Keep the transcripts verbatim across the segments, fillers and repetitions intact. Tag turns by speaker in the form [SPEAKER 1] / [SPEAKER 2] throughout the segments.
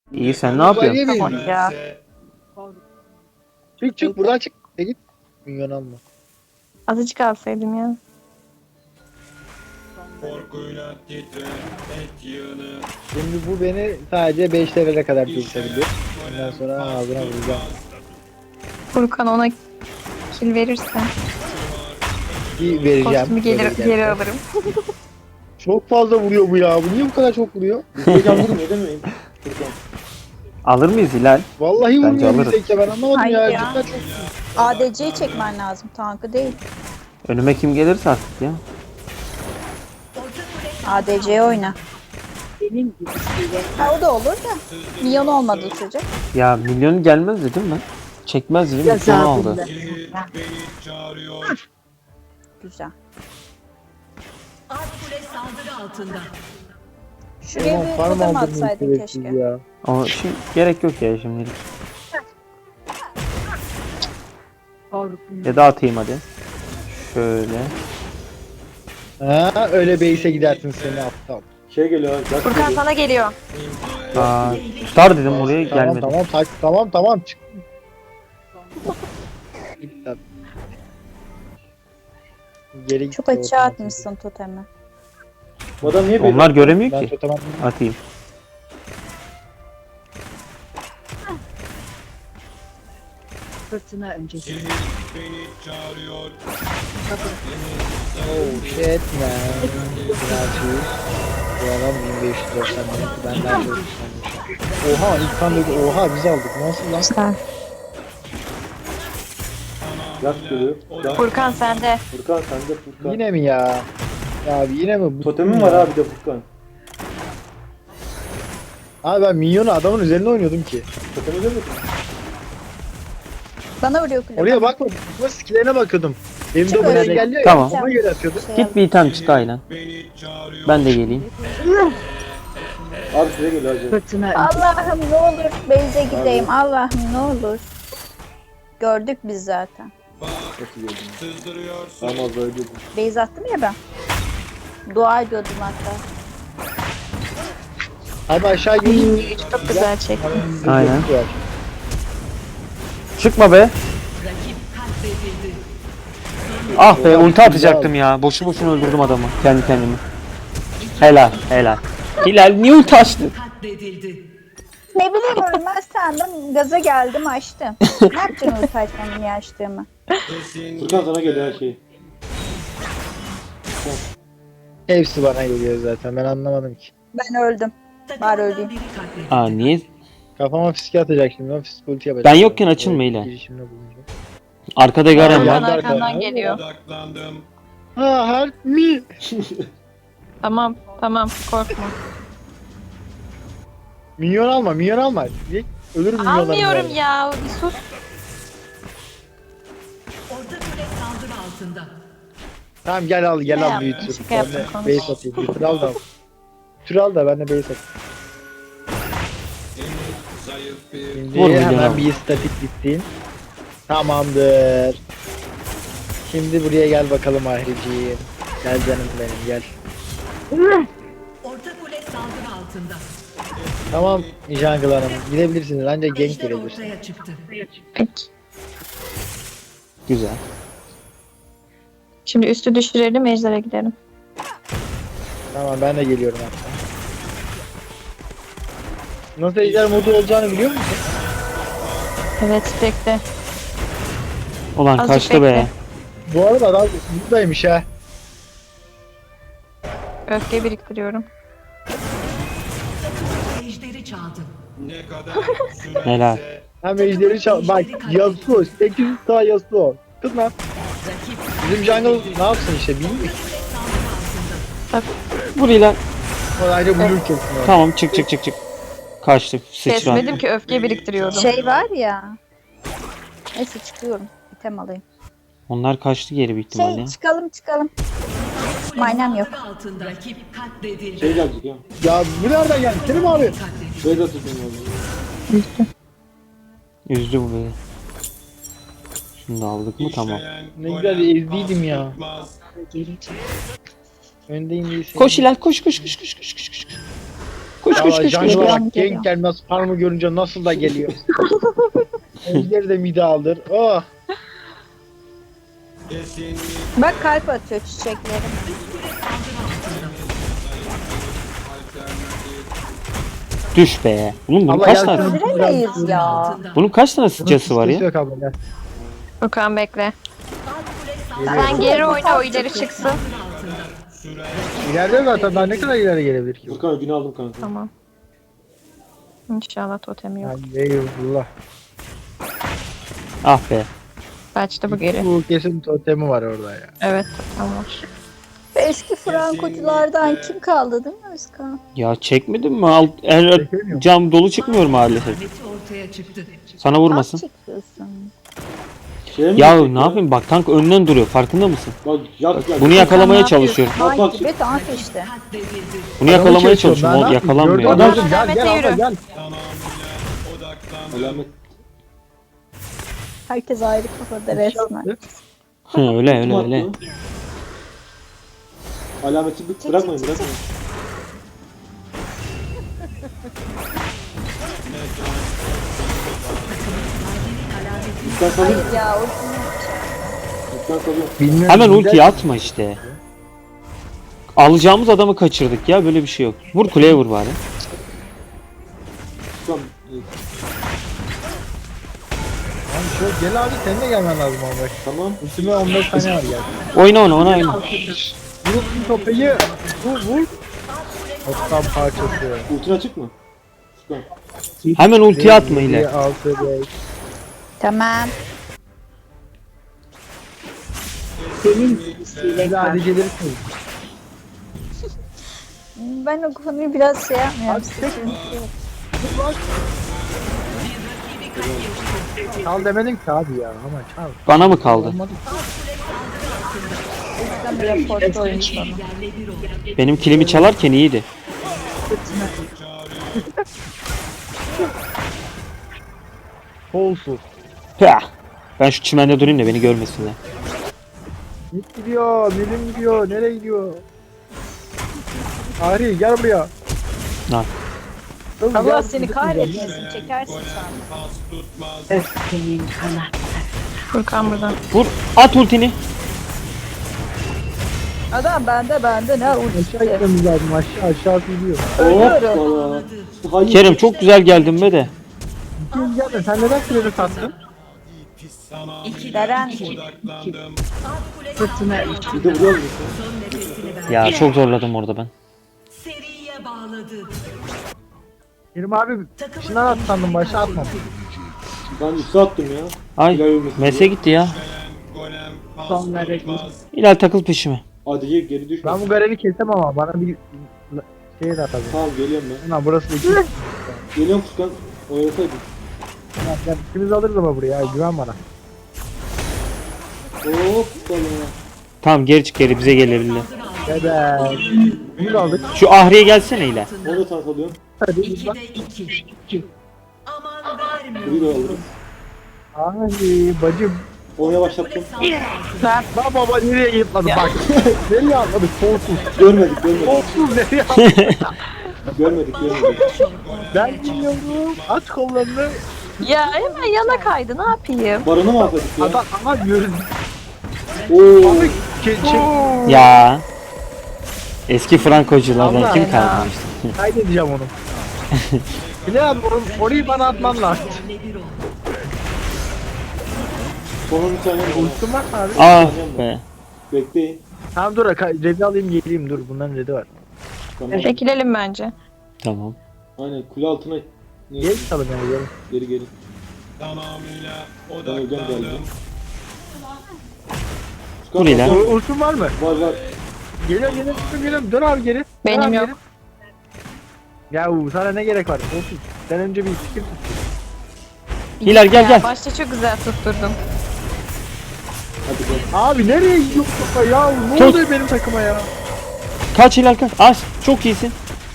[SPEAKER 1] İyi sen ne
[SPEAKER 2] Ulan
[SPEAKER 1] yapıyorsun?
[SPEAKER 2] yemin
[SPEAKER 3] Tamam
[SPEAKER 2] ederim.
[SPEAKER 3] ya.
[SPEAKER 2] Çık çık buradan çık. E git. Minyon alma.
[SPEAKER 3] Azıcık alsaydım ya.
[SPEAKER 4] Korkuyla titre et yığını.
[SPEAKER 2] Şimdi bu beni sadece beş levele kadar kesebilir. Ondan sonra ağzına vuracağım.
[SPEAKER 3] Furkan ona kill verirse
[SPEAKER 2] Bir vereceğim.
[SPEAKER 3] kostümü geri,
[SPEAKER 2] Böyle
[SPEAKER 3] geri
[SPEAKER 2] giderse.
[SPEAKER 3] alırım.
[SPEAKER 2] Çok fazla vuruyor bu ya. Bu niye bu kadar çok vuruyor?
[SPEAKER 5] Hocam vurmuyor değil mi? Furkan.
[SPEAKER 1] Alır mıyız Hilal?
[SPEAKER 2] Vallahi
[SPEAKER 1] Bence
[SPEAKER 2] vurmuyor
[SPEAKER 1] alırız.
[SPEAKER 2] bizdeki ya. Ben anlamadım
[SPEAKER 6] Hayır
[SPEAKER 2] ya.
[SPEAKER 6] ya.
[SPEAKER 2] Cidden çok
[SPEAKER 6] A D C'yi çekmen lazım. Tankı değil.
[SPEAKER 1] Önüme kim gelirse artık ya.
[SPEAKER 6] A D C'ye oyna. Ha, o da olur da. Milyon olmadı sürece.
[SPEAKER 1] Ya milyon gelmez dedim ben. Çekmez dedim. Sonu aldı.
[SPEAKER 4] Beni çağırıyor.
[SPEAKER 6] Güzel.
[SPEAKER 7] Alt kule saldırı altında.
[SPEAKER 6] Şuraya
[SPEAKER 2] Tamam,
[SPEAKER 6] bir
[SPEAKER 2] farm
[SPEAKER 6] totem
[SPEAKER 2] aldırmayı
[SPEAKER 6] atsaydın
[SPEAKER 2] gereksiz
[SPEAKER 6] keşke.
[SPEAKER 2] ya.
[SPEAKER 1] Ama şimdi gerek yok ya şimdilik. Ya da atayım hadi. Şöyle.
[SPEAKER 2] Ha, öyle base'e gidersin seni aptal.
[SPEAKER 5] Şey geliyor abi. Jack
[SPEAKER 3] Furkan
[SPEAKER 5] geliyor.
[SPEAKER 3] sana geliyor.
[SPEAKER 1] Aa, tutar dedim oraya
[SPEAKER 2] Tamam
[SPEAKER 1] gelmedi.
[SPEAKER 2] tamam tak, tamam tamam çık. Git lan. Geri git
[SPEAKER 6] Çok
[SPEAKER 2] ya,
[SPEAKER 6] açığa
[SPEAKER 2] otomatik.
[SPEAKER 6] atmışsın totemi.
[SPEAKER 5] Bu adam niye böyle?
[SPEAKER 1] Onlar göremiyor
[SPEAKER 2] Ben
[SPEAKER 1] ki.
[SPEAKER 2] totem atmadım.
[SPEAKER 1] Atayım.
[SPEAKER 7] Fırtına öncesi.
[SPEAKER 4] Sihir beni çağırıyor.
[SPEAKER 2] Oh shit man. Birazcık. Bu adam bin beş yüz doksan bin. Ben daha çok sanmışım. Oha ilk kan dedi. Oha biz aldık. Nasıl lan?
[SPEAKER 3] Güzel.
[SPEAKER 5] Jack geliyor. Jack.
[SPEAKER 3] Furkan sende.
[SPEAKER 5] Furkan sende Furkan.
[SPEAKER 2] Yine mi ya? Ya abi yine mi? Bu-
[SPEAKER 5] Totemim var abi de Furkan.
[SPEAKER 2] Abi ben minyonu adamın üzerine oynuyordum ki.
[SPEAKER 5] Totemi görmedin mi?
[SPEAKER 6] Bana vuruyor kule.
[SPEAKER 2] Oraya bakma. Bakma skillerine bakıyordum. Elimde
[SPEAKER 6] Çık
[SPEAKER 2] buraya
[SPEAKER 6] öyle.
[SPEAKER 2] engelliyor
[SPEAKER 1] Tamam.
[SPEAKER 2] ya. Ona göre atıyordum.
[SPEAKER 6] Şey
[SPEAKER 1] Git bir item çık aynen.
[SPEAKER 4] Beni çağırıyor.
[SPEAKER 1] Ben de geleyim.
[SPEAKER 5] Abi size geliyor hacı.
[SPEAKER 7] Fırtına
[SPEAKER 6] Allah'ım ne olur Beyze gideyim. Allah'ım ne olur. Gördük biz zaten.
[SPEAKER 5] Nasıl gördün?
[SPEAKER 4] Sızdırıyorsun.
[SPEAKER 5] Tamam az öldürdüm.
[SPEAKER 6] Beyze attım ya ben. Dua ediyordum hatta.
[SPEAKER 2] Abi aşağı gelin.
[SPEAKER 3] Çok güzel çekti.
[SPEAKER 1] Aynen. Çıkma be. Ah be ulti atacaktım ya. Boşu boşuna öldürdüm adamı. Kendi kendimi. Helal helal. Hilal niye ulti açtın?
[SPEAKER 7] katledildi.
[SPEAKER 6] Ne bileyim ölmez sandım. Gaza geldim açtım. Ne yapacaksın ulti açmamı niye açtığımı?
[SPEAKER 4] Kesin
[SPEAKER 5] Furkan sana geliyor her şey.
[SPEAKER 2] Hepsi bana geliyor zaten. Ben anlamadım ki.
[SPEAKER 6] Ben öldüm. Bari öleyim.
[SPEAKER 7] Biri katledildi.
[SPEAKER 1] Aa niye?
[SPEAKER 2] Kafama fiske atacak şimdi. Ben fiske ulti yapacağım.
[SPEAKER 1] Ben yokken açılma Hilal.
[SPEAKER 2] Girişimde bulunacağım.
[SPEAKER 1] Arkada Garen
[SPEAKER 2] Ya,
[SPEAKER 3] Furkan
[SPEAKER 1] var.
[SPEAKER 2] ben de
[SPEAKER 3] arkandan
[SPEAKER 2] arkadan-
[SPEAKER 3] geliyor.
[SPEAKER 4] odaklandım.
[SPEAKER 2] Ha help me.
[SPEAKER 3] Tamam tamam korkma.
[SPEAKER 2] Minyon alma, minyon alma. Direkt ölürüm minyonlarım.
[SPEAKER 3] Almıyorum ya. Bir sus.
[SPEAKER 7] Orta kule saldırı altında.
[SPEAKER 2] Tamam gel al, gel
[SPEAKER 3] Ne
[SPEAKER 2] al
[SPEAKER 3] yaptın?
[SPEAKER 2] büyütür.
[SPEAKER 3] Şaka
[SPEAKER 2] Ben
[SPEAKER 3] yaptım,
[SPEAKER 2] de
[SPEAKER 3] konuş.
[SPEAKER 2] base atayım. Bir tür al da. Tür al da ben de base atayım.
[SPEAKER 4] Zayıf bir
[SPEAKER 2] Şimdi
[SPEAKER 1] Vur milyon
[SPEAKER 2] hemen
[SPEAKER 1] al.
[SPEAKER 2] bir statik gittim. Tamamdır. Şimdi buraya gel bakalım Ahriciğim. Gel canım benim gel.
[SPEAKER 7] Orta kule saldırı altında.
[SPEAKER 2] Tamam Jungle Hanım gidebilirsiniz ancak gank
[SPEAKER 7] Ejder
[SPEAKER 2] gelebilirsiniz.
[SPEAKER 7] ortaya çıktı.
[SPEAKER 3] Peki.
[SPEAKER 1] Güzel.
[SPEAKER 3] Şimdi üstü düşürelim ejder'e gidelim.
[SPEAKER 2] Tamam ben de geliyorum hatta. Nasıl ejder modu olacağını biliyor musun?
[SPEAKER 3] Evet bekle.
[SPEAKER 1] Ulan
[SPEAKER 3] Azıcık
[SPEAKER 1] kaçtı be.
[SPEAKER 3] bekle.
[SPEAKER 2] Bu arada adam buradaymış ha.
[SPEAKER 3] Öfke biriktiriyorum.
[SPEAKER 7] Ejderi çaldı.
[SPEAKER 4] ne kadar sürerse
[SPEAKER 1] Helal.
[SPEAKER 2] Hem ejderi çal... Bak Yasuo. sekiz yüz K Yasuo. Kız lan.
[SPEAKER 7] Rakip
[SPEAKER 2] Bizim jungle ne yapsın işte bilmiyor.
[SPEAKER 7] saldırı altında.
[SPEAKER 1] Vur Hilal.
[SPEAKER 2] O ayrı blue kesin o.
[SPEAKER 1] Tamam çık çık çık çık. Kaçtı sıçran.
[SPEAKER 3] Kesmedim ki öfke biriktiriyordum.
[SPEAKER 6] Şey var ya. Neyse çıkıyorum. İtem alayım.
[SPEAKER 1] Onlar kaçtı geri büyük ihtimalle.
[SPEAKER 6] Şey çıkalım çıkalım. Manam yok.
[SPEAKER 7] Saldırı altında. Rakip katledildi.
[SPEAKER 5] Şey gelecek ya.
[SPEAKER 2] Ya bu nereden geldi? Selim abi.
[SPEAKER 7] Katledildi.
[SPEAKER 5] Şey de tutayım abi.
[SPEAKER 1] Üzdü bu beni. Şimdi aldık mı tamam.
[SPEAKER 4] işleyen
[SPEAKER 2] Ne
[SPEAKER 4] golem
[SPEAKER 2] güzel ezdiydim ya.
[SPEAKER 4] pas tutmaz.
[SPEAKER 2] Öndeyim değilse.
[SPEAKER 1] Koş Hilal koş koş koş koş koş koş koş. Koş koş
[SPEAKER 2] Ya
[SPEAKER 1] koş koş.
[SPEAKER 2] Jungle'a
[SPEAKER 3] Geliyorum,
[SPEAKER 2] bak
[SPEAKER 3] geliyorum.
[SPEAKER 2] genk gelmez farmı görünce nasıl da geliyor. Ejderi de mide aldır. Oh.
[SPEAKER 4] Kesinlikle
[SPEAKER 6] Bak kalp atıyor çiçeklerim.
[SPEAKER 1] Düş be. Oğlum bunun
[SPEAKER 2] Allah
[SPEAKER 1] kaç
[SPEAKER 2] yardım
[SPEAKER 1] tane?
[SPEAKER 2] etsin.
[SPEAKER 6] Öldüremeyiz ya.
[SPEAKER 7] altında.
[SPEAKER 1] Bunun kaç tane sıcası var ya?
[SPEAKER 2] Yok abla gel.
[SPEAKER 3] Furkan bekle. Sen geri oyna o ileri çıksın.
[SPEAKER 2] İleride zaten daha ne kadar ileri gelebilir ki?
[SPEAKER 5] Furkan ödünü aldım kanka.
[SPEAKER 3] Tamam. İnşallah totemi yok.
[SPEAKER 2] Yani eyvallah.
[SPEAKER 1] Ah be.
[SPEAKER 3] Kaçtı bu geri.
[SPEAKER 2] Bu kesin totemi var orada ya.
[SPEAKER 3] Evet totem var.
[SPEAKER 6] Eski Frankoculardan kim kaldı değil mi Özkan?
[SPEAKER 1] Ya çekmedin mi? Alt, er,
[SPEAKER 2] Çekemiyorum.
[SPEAKER 1] cam dolu çıkmıyor maalesef.
[SPEAKER 7] Ahmet'i ortaya çıktı.
[SPEAKER 1] Sana vurmasın.
[SPEAKER 6] Az çekiyorsun.
[SPEAKER 5] Şeye mi
[SPEAKER 1] Ya
[SPEAKER 5] gidecek
[SPEAKER 1] ne yapayım bak tank önden duruyor farkında mısın?
[SPEAKER 5] Bak yak yak.
[SPEAKER 1] Bunu yakalamaya
[SPEAKER 6] ne
[SPEAKER 1] çalışıyorum.
[SPEAKER 5] Bak, bak.
[SPEAKER 6] Ay gibi tank işte.
[SPEAKER 7] Katledildi.
[SPEAKER 1] Bunu
[SPEAKER 2] Adamı
[SPEAKER 1] yakalamaya
[SPEAKER 2] çekiyorum,
[SPEAKER 1] çalışıyorum.
[SPEAKER 2] ben
[SPEAKER 1] O
[SPEAKER 2] ne yapayım?
[SPEAKER 1] yakalanmıyor.
[SPEAKER 2] Gördün mü?
[SPEAKER 1] Adam-
[SPEAKER 2] Gel gel
[SPEAKER 3] Alamet'e
[SPEAKER 2] abla
[SPEAKER 3] yürü.
[SPEAKER 2] gel.
[SPEAKER 4] tamamıyla odaklandım.
[SPEAKER 5] Alamet.
[SPEAKER 6] Herkes ayrı kafada resmen.
[SPEAKER 1] Hı, öyle
[SPEAKER 5] Kim
[SPEAKER 1] öyle
[SPEAKER 5] attı?
[SPEAKER 1] öyle.
[SPEAKER 5] Alameti bı- bırakmayın bırakmayın. Lütfen salayım.
[SPEAKER 6] Hayır ya ultimi
[SPEAKER 5] Lütfen salayım.
[SPEAKER 2] Bilmiyorum.
[SPEAKER 1] Hemen
[SPEAKER 2] güzel.
[SPEAKER 1] ultiyi atma işte. Alacağımız adamı kaçırdık ya böyle bir şey yok. Vur kuleye vur bari.
[SPEAKER 5] Lütfen.
[SPEAKER 2] Tamam, şöyle gel abi senin de gelmen lazım abi.
[SPEAKER 5] Tamam.
[SPEAKER 2] Ultime on beş saniye var gel.
[SPEAKER 1] Oyna ona ona oyna.
[SPEAKER 2] Vur bu topayı. Vur vur. Toptan parçası.
[SPEAKER 5] Ultin açık mı? Furkan.
[SPEAKER 1] Hemen ultiyi atma ile.
[SPEAKER 2] altı beş.
[SPEAKER 6] Tamam.
[SPEAKER 2] Hadi hadi gelirsin.
[SPEAKER 6] Ben o konuyu biraz şey yapmıyorum.
[SPEAKER 2] Abi,
[SPEAKER 6] Sıkıntı yok.
[SPEAKER 2] Çal demedim ki abi ya ama çal.
[SPEAKER 1] Bana mı kaldı?
[SPEAKER 2] Olmadı.
[SPEAKER 6] Ben bir raporta oyun sonu.
[SPEAKER 7] Yerle bir oldu.
[SPEAKER 1] Benim kilimi çalarken iyiydi.
[SPEAKER 2] Kolsuz.
[SPEAKER 1] Pah! Ben şu çimende durayım da beni görmesinler.
[SPEAKER 2] Git gidiyor, bilim gidiyor, nereye gidiyor? Ari gel buraya.
[SPEAKER 1] Lan.
[SPEAKER 2] Kız,
[SPEAKER 6] Allah
[SPEAKER 2] gel,
[SPEAKER 6] seni
[SPEAKER 2] git
[SPEAKER 6] kahretmesin. Çekersin sen.
[SPEAKER 4] Pas tutmaz.
[SPEAKER 3] Furkan buradan.
[SPEAKER 1] Vur at ultini.
[SPEAKER 6] Adam bende bende ne
[SPEAKER 2] Aşağı
[SPEAKER 6] ultisi.
[SPEAKER 2] gitmemiz lazım, aşağı aşağı gidiyor.
[SPEAKER 6] Ölüyorum.
[SPEAKER 5] Hoppala. Hayır.
[SPEAKER 1] Kerem çok güzel geldin be de.
[SPEAKER 2] Kim geldi? Sen neden kredi sattın?
[SPEAKER 6] Deren.
[SPEAKER 4] Odaklandım.
[SPEAKER 5] Bir de vuruyor musun?
[SPEAKER 7] Son nefesini ver.
[SPEAKER 1] Ya çok zorladım orada ben.
[SPEAKER 7] Seriye bağladı.
[SPEAKER 2] Kerim abi şundan at sandım, başa atmam.
[SPEAKER 5] Ben üstü attım ya.
[SPEAKER 1] Ay
[SPEAKER 5] Hilal ölmesin
[SPEAKER 1] Mes'e
[SPEAKER 5] diye.
[SPEAKER 1] gitti ya.
[SPEAKER 4] Golem pas tutmaz.
[SPEAKER 1] İlal takıl peşime.
[SPEAKER 5] Hadi geri, geri düşme.
[SPEAKER 2] Ben bu Garen'i kesem ama bana bir şey de atabilir.
[SPEAKER 5] Tamam geliyorum ben.
[SPEAKER 2] Ulan burası da iki.
[SPEAKER 5] Geliyorum Furkan. Oynasaydın.
[SPEAKER 2] Ya ikimiz alırız ama buraya, güven bana.
[SPEAKER 5] Hoppala.
[SPEAKER 1] Tamam geri çık geri bize gelebilirler.
[SPEAKER 2] Bebe. Bunu da aldık.
[SPEAKER 1] Şu Ahri'ye gelsene İlal.
[SPEAKER 5] Onu da tank alıyorum.
[SPEAKER 2] Hadi.
[SPEAKER 7] İkide iki. Aman vermiyor.
[SPEAKER 5] Burayı da alırım.
[SPEAKER 2] Ay bacım.
[SPEAKER 5] Onu yavaşlattım.
[SPEAKER 2] Lan baba nereye yıpladı bak. Nereye atladık? Kolsuz.
[SPEAKER 5] Görmedik görmedik.
[SPEAKER 2] Kolsuz nereye atladık?
[SPEAKER 5] Görmedik görmedik.
[SPEAKER 2] Ben bilmiyorum. Aç kollarını.
[SPEAKER 3] Ya hemen yana kaydı ne yapayım?
[SPEAKER 5] Baranı mı atladık ya?
[SPEAKER 2] Adam ama diyoruz.
[SPEAKER 5] Oo.
[SPEAKER 2] Abi ke- şey,
[SPEAKER 1] Ya. Eski Frankoculardan
[SPEAKER 2] Allah
[SPEAKER 1] kim
[SPEAKER 2] ya.
[SPEAKER 1] kalmıştı?
[SPEAKER 2] kaydedeceğim onu. Bilal abi or- orayı bana atman lazım.
[SPEAKER 7] Yerle bir oldu.
[SPEAKER 5] Sonra bir tane var.
[SPEAKER 2] Ultim var mı abi?
[SPEAKER 1] Ah be.
[SPEAKER 5] Bekleyin.
[SPEAKER 2] Tamam dur ka- redi alayım geleyim dur bunların redi var.
[SPEAKER 5] Tamam.
[SPEAKER 3] Çekilelim bence.
[SPEAKER 1] Tamam.
[SPEAKER 5] Aynen kule altına. Neyse,
[SPEAKER 2] Gel çalın yani gelin.
[SPEAKER 5] geri geri.
[SPEAKER 4] Tamamıyla
[SPEAKER 5] Ben hocam geldim.
[SPEAKER 4] odaklandım.
[SPEAKER 5] Furkan,
[SPEAKER 1] Dur İlal.
[SPEAKER 5] Furkan.
[SPEAKER 2] U- Ultim var mı?
[SPEAKER 5] Var var.
[SPEAKER 2] Geliyorum geliyorum geliyorum dön abi geri. Dön
[SPEAKER 3] Benim
[SPEAKER 2] abi
[SPEAKER 3] yok.
[SPEAKER 2] geri. Ya u, sana ne gerek var? Olsun. Sen önce bir fikir tut.
[SPEAKER 1] İlal gel
[SPEAKER 3] Ya,
[SPEAKER 1] gel.
[SPEAKER 3] Başta çok güzel tutturdum.
[SPEAKER 5] Hadi gel.
[SPEAKER 2] Abi nereye gidiyor kafa ya? Ne
[SPEAKER 1] Tut.
[SPEAKER 2] oluyor benim takıma ya?
[SPEAKER 1] Kaç İlal kaç. Az. Çok iyisin.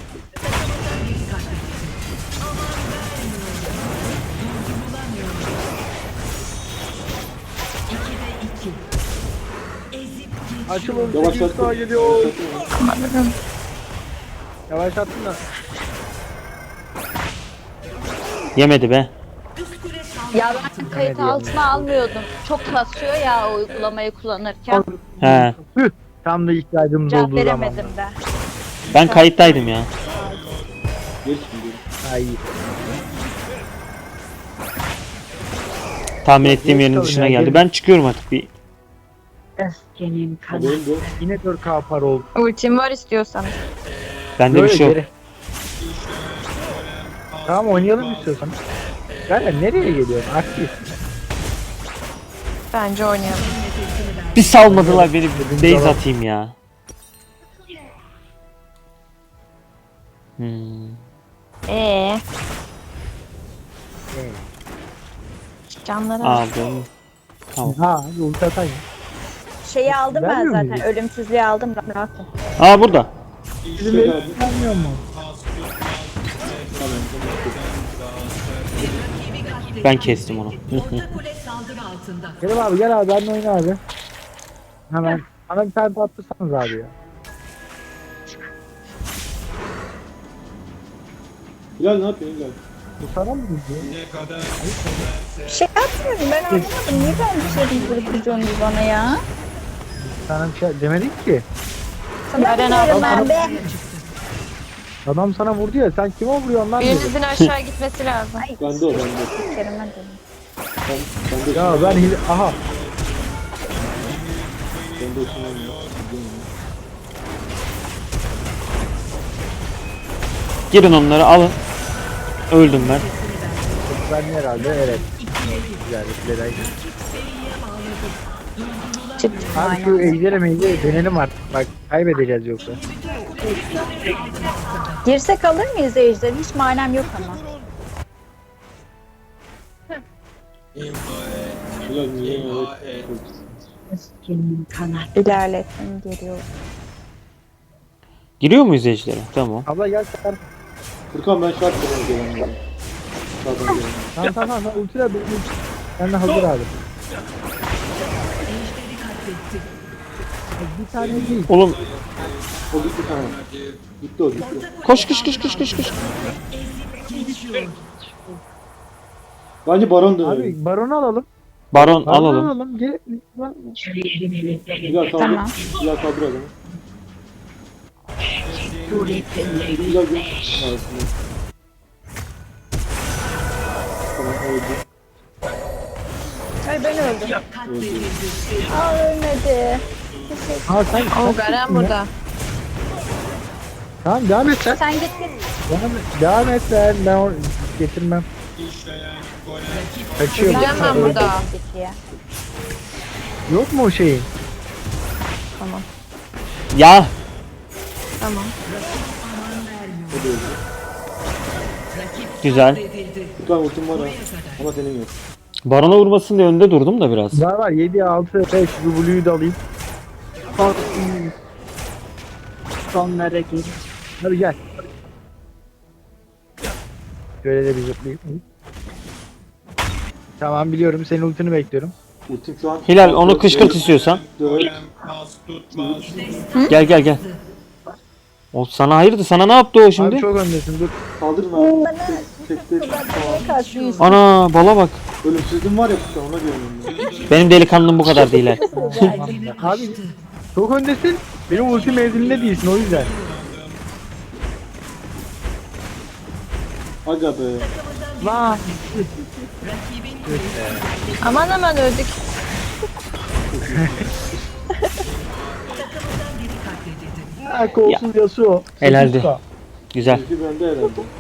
[SPEAKER 7] İkide iki. Ezip geçiyor.
[SPEAKER 2] Açılın sekiz
[SPEAKER 5] Yavaşlattım.
[SPEAKER 2] sağa geliyor.
[SPEAKER 5] Yavaşlattım onu.
[SPEAKER 2] Yavaşlattın da.
[SPEAKER 1] Yemedi be.
[SPEAKER 7] Üst kule saldırı
[SPEAKER 6] Ya ben
[SPEAKER 7] altında.
[SPEAKER 6] kayıt altına almıyordum. Çok kasıyor ya o uygulamayı kullanırken.
[SPEAKER 1] He.
[SPEAKER 2] Hüh, tam da ihtiyacımız
[SPEAKER 6] Cevap
[SPEAKER 2] olduğu
[SPEAKER 6] veremedim
[SPEAKER 2] zaman.
[SPEAKER 6] de.
[SPEAKER 1] Ben kayıttaydım ya.
[SPEAKER 5] Geç şimdi.
[SPEAKER 2] Ay.
[SPEAKER 1] Tahmin ettiğim yerin
[SPEAKER 2] Bakalım
[SPEAKER 1] dışına
[SPEAKER 2] ya,
[SPEAKER 1] geldi.
[SPEAKER 2] gelin.
[SPEAKER 1] Ben çıkıyorum artık bir.
[SPEAKER 5] Haberin
[SPEAKER 4] Öfkenin kanadı.
[SPEAKER 5] bu.
[SPEAKER 2] Yine dört K para oldu.
[SPEAKER 3] Ultim var istiyorsan.
[SPEAKER 1] Bende bir
[SPEAKER 2] Böyle
[SPEAKER 1] şey yok.
[SPEAKER 2] geri. Tamam oynayalım istiyorsan. Yani nereye geliyorsun? Aktif.
[SPEAKER 3] Bence oynayalım.
[SPEAKER 1] Bir salmadılar beni. Base atayım ya. Hmm.
[SPEAKER 3] Ee. Canları al.
[SPEAKER 1] Aldım. Tamam.
[SPEAKER 2] Ha, ulti atayım.
[SPEAKER 6] Şeyi aldım ben
[SPEAKER 2] Vermiyor
[SPEAKER 6] zaten.
[SPEAKER 2] muydu?
[SPEAKER 6] Ölümsüzlüğü aldım. Rahat ol.
[SPEAKER 1] Aa burada.
[SPEAKER 2] Bizim ev vermiyor mu?
[SPEAKER 1] Ben kestim onu.
[SPEAKER 7] Orta kule saldırı altında.
[SPEAKER 2] Kerim abi gel abi benimle oyna abi. Hemen. Bana bir tane atırsanız abi ya.
[SPEAKER 5] Hilal ne yapıyorsun Hilal?
[SPEAKER 2] Bu sana mı gidiyor?
[SPEAKER 4] Ne kadar
[SPEAKER 6] Bir şey yapmıyorum ben anlamadım. Niye ben bir şey duruyorsunuz bana ya?
[SPEAKER 2] Sana bir şey demedik ki.
[SPEAKER 6] Sana
[SPEAKER 3] Eren
[SPEAKER 6] diyorum
[SPEAKER 3] abi.
[SPEAKER 6] ben be.
[SPEAKER 2] Adam sana vurdu ya sen kime vuruyorsun lan dedi.
[SPEAKER 3] Birinizin aşağı gitmesi lazım.
[SPEAKER 6] Ay,
[SPEAKER 5] Bende o bende.
[SPEAKER 6] Kerem'e dedim.
[SPEAKER 5] Ben, bende
[SPEAKER 2] Ya ben hile... Aha.
[SPEAKER 5] Bende ışınlanmıyor.
[SPEAKER 1] Girin onları alın. Öldüm ben.
[SPEAKER 2] Ben herhalde evet. Güzel bir
[SPEAKER 6] Çıktım
[SPEAKER 2] Abi şu ejderi mejderi denelim artık. Bak kaybedeceğiz yoksa.
[SPEAKER 6] Girsek alır mıyız Ejder? Hiç manem yok ama.
[SPEAKER 5] Hilal niye evet.
[SPEAKER 4] Öfkenin kanadı.
[SPEAKER 6] İlerlettim geliyor.
[SPEAKER 1] Giriyor muyuz ejdere? Tamam.
[SPEAKER 2] Abla gel sen.
[SPEAKER 5] Furkan ben şart demeye gelen dedim. Şartına gelen.
[SPEAKER 2] Tamam tamam tamam. Ultiler ulti. Ben de hazır abi. Bir tane değil.
[SPEAKER 1] Oğlum
[SPEAKER 5] O gitti tamam. Gitti o gitti.
[SPEAKER 1] koş koş koş koş koş koş.
[SPEAKER 5] Bence Baron dönelim.
[SPEAKER 2] Abi baronu alalım.
[SPEAKER 1] Baron
[SPEAKER 2] Baronu
[SPEAKER 1] alalım.
[SPEAKER 2] alalım. Gel.
[SPEAKER 4] Kariyerin elinde.
[SPEAKER 5] Hilal kaldır.
[SPEAKER 6] Tamam.
[SPEAKER 5] Hilal kaldır adamı.
[SPEAKER 4] Suretleri.
[SPEAKER 5] Hilal gel. Evet, evet. Tamam öldü.
[SPEAKER 6] Ay ben öldüm.
[SPEAKER 7] Katledildi.
[SPEAKER 6] Aa ölmedi.
[SPEAKER 2] Ha sen.
[SPEAKER 3] O Garen burada.
[SPEAKER 2] Tamam devam et sen.
[SPEAKER 6] Sen git git.
[SPEAKER 2] Devam et. Devam et sen. Ben onu getirmem. Kaçıyor.
[SPEAKER 3] Gideceğim ben burada.
[SPEAKER 6] Git diye.
[SPEAKER 2] Yok mu o şeyin?
[SPEAKER 3] Tamam.
[SPEAKER 1] Ya
[SPEAKER 3] Tamam.
[SPEAKER 1] güzel.
[SPEAKER 5] Furkan ultim var ha. Ama senin yok.
[SPEAKER 1] Barona vurmasın diye önde durdum da biraz.
[SPEAKER 2] Var var. yedi altı beş. Bu Blue'yu da alayım.
[SPEAKER 4] Korkun. Sonlara gir.
[SPEAKER 2] Hadi gel. Şöyle de bir zıplayayım. Tamam biliyorum. Senin ultini bekliyorum.
[SPEAKER 5] Ultim şu an.
[SPEAKER 1] Hilal onu kışkırt istiyorsan.
[SPEAKER 5] dört.
[SPEAKER 4] golem pas tutmaz.
[SPEAKER 1] Gel gel gel. O sana hayırdır? Sana ne yaptı o şimdi?
[SPEAKER 2] Abi çok öndesin. Dur.
[SPEAKER 5] Kaldırın abi.
[SPEAKER 6] Bana
[SPEAKER 5] Tek tek.
[SPEAKER 6] niye kaçıyorsun?
[SPEAKER 1] Ana bala bak.
[SPEAKER 5] Ölümsüzlüğüm var ya Furkan ona diyorum ben.
[SPEAKER 1] Benim delikanlım bu kadar değil.
[SPEAKER 2] Abi çok öndesin. Benim ulti mevzimde değilsin o yüzden.
[SPEAKER 5] Aga be.
[SPEAKER 2] Lan.
[SPEAKER 3] Aman aman öldük.
[SPEAKER 2] Ha kolsuz Yasuo.
[SPEAKER 1] Helaldi.
[SPEAKER 2] sekiz K.
[SPEAKER 1] Güzel.
[SPEAKER 5] Ulti bende herhalde.